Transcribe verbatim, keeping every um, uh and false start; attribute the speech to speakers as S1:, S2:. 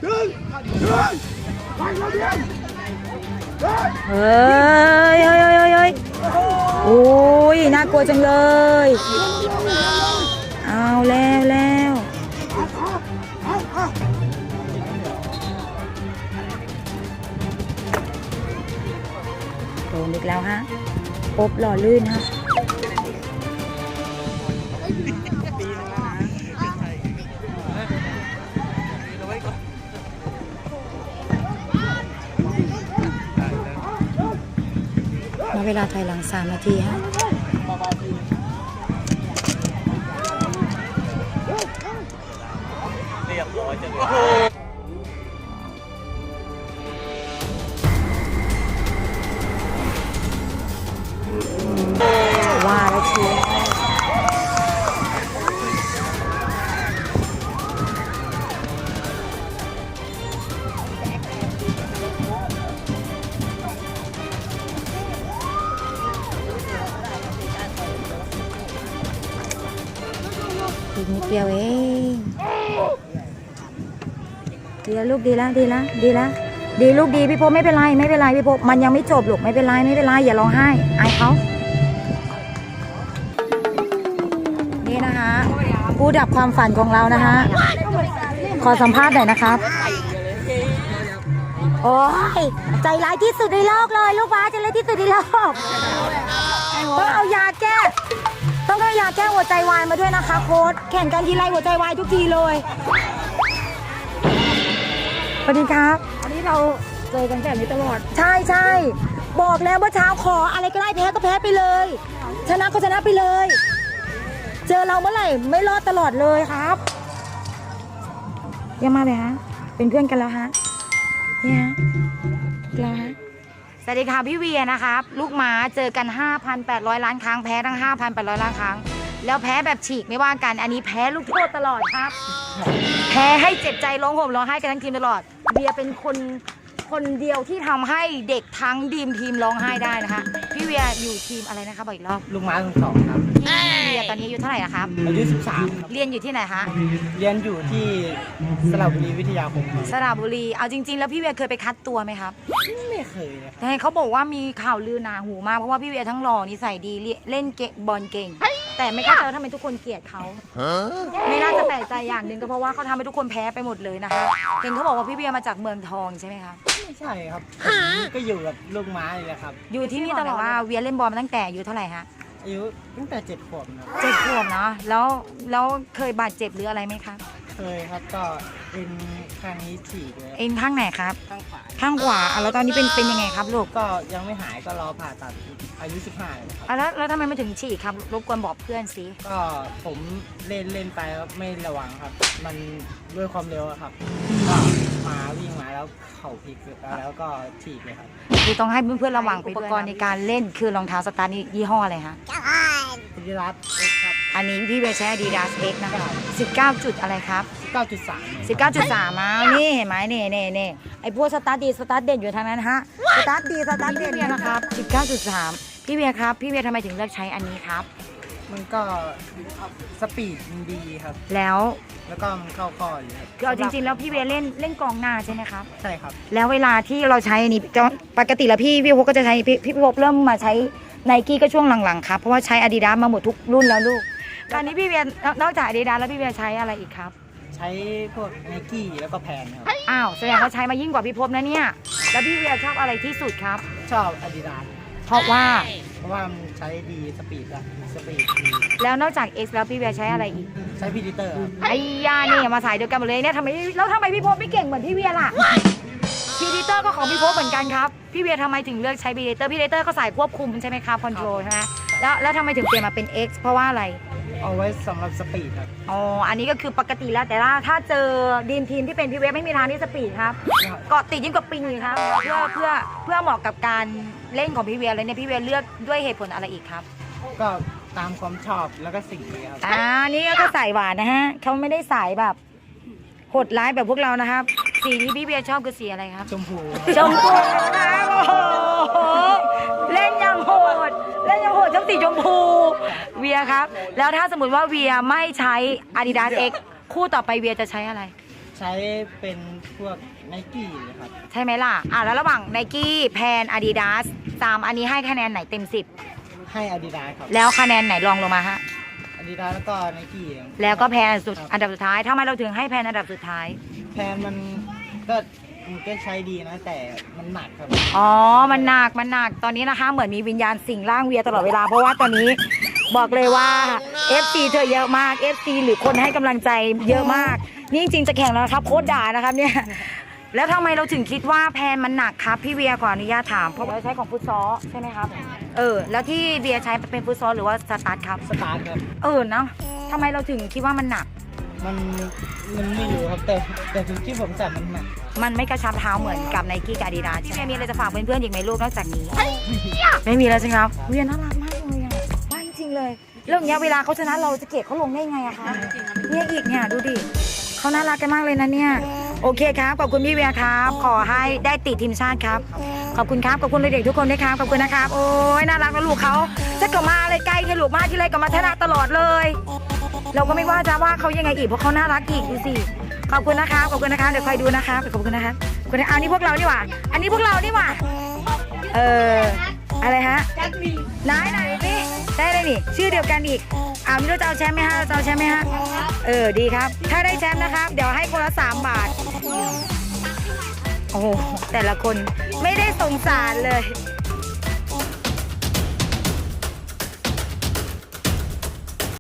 S1: เฮ้ยเฮ้ยเฮ้ยเฮ้ยโอ้ยน่ากลัวจังเลยเอาแล้วแล้วโดนอีกแล้วฮะปบหล่อลื่นฮะเวลาถอยหลังสามนาทีฮะเรียบร้อยจังเลยว่าแล้วเชียวอีกนิดเดียวเองดีแล้วลูกดีแล้วดีแล้วดีแล้วดีลูกดีพี่พบไม่เป็นไรไม่เป็นไรพี่พบมันยังไม่จบลูกไม่เป็นไรไม่เป็นไรอย่าร้องไห้อายเขานี่นะคะผู้ดับความฝันของเรานะคะขอสัมภาษณ์หน่อยนะครับโอ้ยใจร้ายที่สุดในโลกเลยลูกบ้าใจร้ายที่สุดในโลกต้องเอายาแก้ต้องเอายาแก้หัวใจวายมาด้วยนะคะโค้ชแข่งกันทีไรหัวใจวายทุกทีเลยสวัสดีครับอันนี้เราเจอกันแบบนี้ตลอดใช่ใช่บอกแล้วว่าเช้าขออะไรก็ได้แพ้ก็แพ้ไปเลยชนะก็ชนะไปเลยเจอเราเมื่อไหร่ไม่รอดตลอดเลยครับเยี่ยมมากเลยฮะเป็นเพื่อนกันแล้วฮะนี่ฮะแล้วฮะสวัสดีค่ะพี่เวียนะครับลูกหมาเจอกัน ห้าพันแปดร้อย ล้านครั้งแพ้ทั้ง ห้าพันแปดร้อย ล้านครั้งแล้วแพ้แบบฉีกไม่ว่ากันอันนี้แพ้ลูกโทษตลอดครับแพ้ให้เจ็บใจร้องห่มร้องไห้กันทั้งทีมตลอดเวียเป็นคนคนเดียวที่ทำให้เด็กทั้งทีมทีมร้องไห้ได้นะคะพี่เวียอยู่ทีมอะไรนะคะบอกอีกรอบ
S2: ลูกหมาทั้งสองครับ
S1: พี่เวียตอนนี้อายุเท่าไหร่นะครับ
S2: อายุสิบสาม
S1: เรียนอยู่ที่ไหนคะ
S2: เรียนอยู่ที่สระบุรีวิทยาคม
S1: สระบุรีเอาจริงๆแล้วพี่เวียเคยไปคัดตัวไหมครับ
S2: ไม่เคยเลย
S1: แต่เขาบอกว่ามีข่าวลือหนาหูมากเพราะว่าพี่เวียทั้งหล่อนิสัยดีเล่นเกะบอลเก่งแต่ไม่เข้าใจว่าทำไมทุกคนเกลียดเขาไม่น่าจะแปลกใจอย่างหนึ่งก็เพราะว่าเขาทำให้ทุกคนแพ้ไปหมดเลยนะคะเห็นเขาบอกว่าพี่เวียมาจากเมืองทองใช่ไหมครับ
S2: ไม่ใช่ครับก็อยู่กับลูกหมาเลยแหละครับ
S1: อยู่ที่นี่ตลอดว่าเวียเล่นบอลมาตั้งแต่อายุเท่าไหร่ฮะ
S2: อายุตั้งแต่เจ็ดขวบนะ
S1: เจ็ดขวบเนาะแล้วแล้วเคยบาดเจ็บหรืออะไรไหมครับ
S2: เคยครับก็เอ็นข้างนี้ฉีกเลย
S1: เอ็นข้างไหนครับ
S2: ข้างขวา
S1: ข้างขวาแล้วตอนนี้เป็นเป็นยังไงครับลูก
S2: ก็ยังไม่หายก็รอผ่าตัดอายุสิบห้าเลยครับ
S1: แล้วแล้วทำไมไม่ถึงฉีกครับรบกวนบอกเพื่อนสิ
S2: ก็ผมเล่นเล่นไปแล้วไม่ระวังครับมันด้วยความเร็วครับก็มาวิ่งมาแล้วเข่าพลิกแล้วก็ฉีกเลยครับ
S1: คือต้องให้เพื่อนๆระวังอุปกรณ์ในการเล่นคือรองเท้าสตาร์ทยี่ห้ออะไรฮะ
S2: อาดิดาส X ครับ
S1: อันนี้พี่เบย์ใช้ Adidas X นะคะสิบเก้าจุดอะไรครับ
S2: สิบเก้าจุดสาม
S1: สิบเก้าจุดสามมานี่เห็นไหมนี่นี่นี่ไอพวกสตาร์ทดีสตาร์ทเด่นอยู่ทางนั้นฮะสตาร์ทดีสตาร์ทเด่นนะครับสิบเก้าจุดสามพี่เบียร์ครับพี่เบียร์ทำไมถึงเลือกใช้อันนี้ครับ
S2: มันก็สปีดมันดีครับ
S1: แล้ว
S2: แล้วก็มันเข้าข้ออยู่ครับ
S1: คือเอาจริงๆแล้วพี่เบียร์เล่นเล่นกองหน้าใช่ไหมครับ
S2: ใช่ครับ
S1: แล้วเวลาที่เราใช้อันนี้ปกติแล้วพี่พี่พบก็จะใช้พี่พี่พบเริ่มมาใช้ไนกี้ก็ช่วงหลังๆครับเพราะว่าใช้ Adidas มาหมดทุกรุ่นแล้วลูกตอนนี้พี่เบียร์นอกจาก Adidas แล้วพี่เบียร์ใช้อะไรอีกครับ
S2: ใช้พวกไนกี้แล้วก็แพนครับ
S1: อ้าวแสดงว่าใช้มายิ่งกว่าพี่พบนะเนี่ยแล้วพี่เบียร์ชอบอะไรที่สุดครับ
S2: ชอบ Adidas
S1: เพราะว่า
S2: เพราะว่ามันใช้ดีสปีดอะสปีดดี
S1: แล้วนอกจาก X แล้วพี่เบียร์ใช้อะไรอีก
S2: ใช้พีดิเตอร์
S1: ไอ้ยานี่มาสายเดียวกันหมดเลยเนี่ยทำไมแล้วทำไมพี่พบไม่เก่งเหมือนพี่เบียร์ล่ะพีดิเตอร์ก็ของพี่พบเหมือนกันครับพี่เบียร์ทำไมถึงเลือกใช้พีดิเตอร์พีดิเตอร์ก็สายควบคุมใช่ไหมครับคอนโทรลใช่ไหมแล้วแล้วทำไมถึงเปลี่ยนมาเป็น X เพราะว่าอะไร
S2: เอาไว้สำหรับสปีดครับ
S1: อ๋ออันนี้ก็คือปกติแล้วแต่ว่าถ้าเจอดีมทีมที่เป็นพี่เวฟไม่มีทางที่สปีดครับเกาะติดยิ่งกว่าปิงเลยครับเพื่อเพื่อเพื่อเหมาะกับการเล่นของพี่เวียเลยเนี่ยพี่เวียเลือกด้วยเหตุผลอะไรอีกครับ
S2: ก็ตามความชอบแล้วก็สิ่งนี้ครับ
S1: อ่านี่ก็สายหวานนะฮะเขาไม่ได้สายแบบโหดร้ายแบบพวกเรานะครับสีที่พี่เวียชอบคือสีอะไรครับ
S2: ชมพู
S1: ชมพูครับโอ้โหเล่นยังโหดเล่นยังโหดชอบสีชมพูเวียครับแล้วถ้าสมมติว่าเวียไม่ใช้ Adidas X คู่ต่อไปเวียจะใช้อะไร
S2: ใช้ช้เป็นพวกไนกี้เลยครับ
S1: ใช่ไหมล่ะอ่ะแล้วระหว่างไนกี้แพนอาดิดาสสามอันนี้ให้คะแนนไหนเต็มสิบ
S2: ให้อาดิดาสครับ
S1: แล้วคะแนนไหนรองลงมาฮะ
S2: อาดิดาสแล้วก็ไนกี้
S1: แล้วก็แพนสุดอันดับสุดท้ายทำไมเราถึงให้แพนอันดับสุดท้าย
S2: แพนมันก็มันก็ใช้ดีนะแต่มันหนักครับ
S1: อ๋อ มันหนัก มันหนัก ตอนนี้นะคะ เหมือนมีวิญญาณสิงร่างเวียตลอดเวลา เพราะว่าตอนนี้บอกเลยว่า เอฟ ซี เธอเยอะมาก เอฟ ซี หรือคนให้กำลังใจเยอะมาก นี่จริงๆจะแข่งแล้วนะครับโคตรด่านะครับเนี่ย แล้วทำไมเราถึงคิดว่าแพนมันหนักครับพี่เวียขออนุญาตถาม เพราะเราใช้ของฟุตซอลใช่ไหมครับ เออ แล้วที่เวียใช้เป็นฟุตซอลหรือว่าสตาร์ทครับ
S2: สตาร์ทครับ
S1: เออเนาะทำไมเราถึงคิดว่ามันหนัก
S2: มันมันไม่รู้ครับแต่แต่ถึงที่ผมใส่มันหนัก
S1: มันไม่กระชับเท้าเหมือนกับไนกี้กับอาดิดาสใช่ไหมมีอะไรจะฝากเพื่อนๆอีกไหมลูกนอกจากนี้ ไม่มีแล้วใช่ไหมครับเวียน่ารักมากเลยอ่ะว่าจริงๆเลยเรื่องเนี้ยเวลาเขาชนะเราจะเกลียดเขาลงได้ไงอะคะเนี่ยอีกเนี่ยดูดิเขาน่ารักกันมากเลยนะเนี่ยโอเคครับขอบคุณพี่เวียครับขอให้ได้ติดทีมชาติครับขอบคุณครับขอบคุณเด็กๆทุกคนด้วยครับขอบคุณนะครับโอ้ยน่ารักนะลูกเขาจะกลับมาอะไรใกล้แค่ลูกมากที่ไรก็มาชนะตลอดเลย เราก็ไม่ว่าจะว่าเขายังไงอีกเพราะเขาน่ารักอีกดูสิขอบคุณนะครับขอบคุณนะครับเดี๋ยวคอยดูนะครับขอบคุณนะครับขอบคุณนะเอานี่พวกเรานี่หว่าอันนี้พวกเรานี่หว่าเอออะไรฮะไหนไหนพี่ได้เลยนี่ชื่อเดียวกันอีกอ้าวนี่เราจะเอาแชมป์ไหมฮะเราจะเอาแชมป์ไหมฮะเออดีครับถ้าได้แชมป์นะครับเดี๋ยวให้คนละสามบาทโอ้โหแต่ละคนไม่ได้สงสารเลย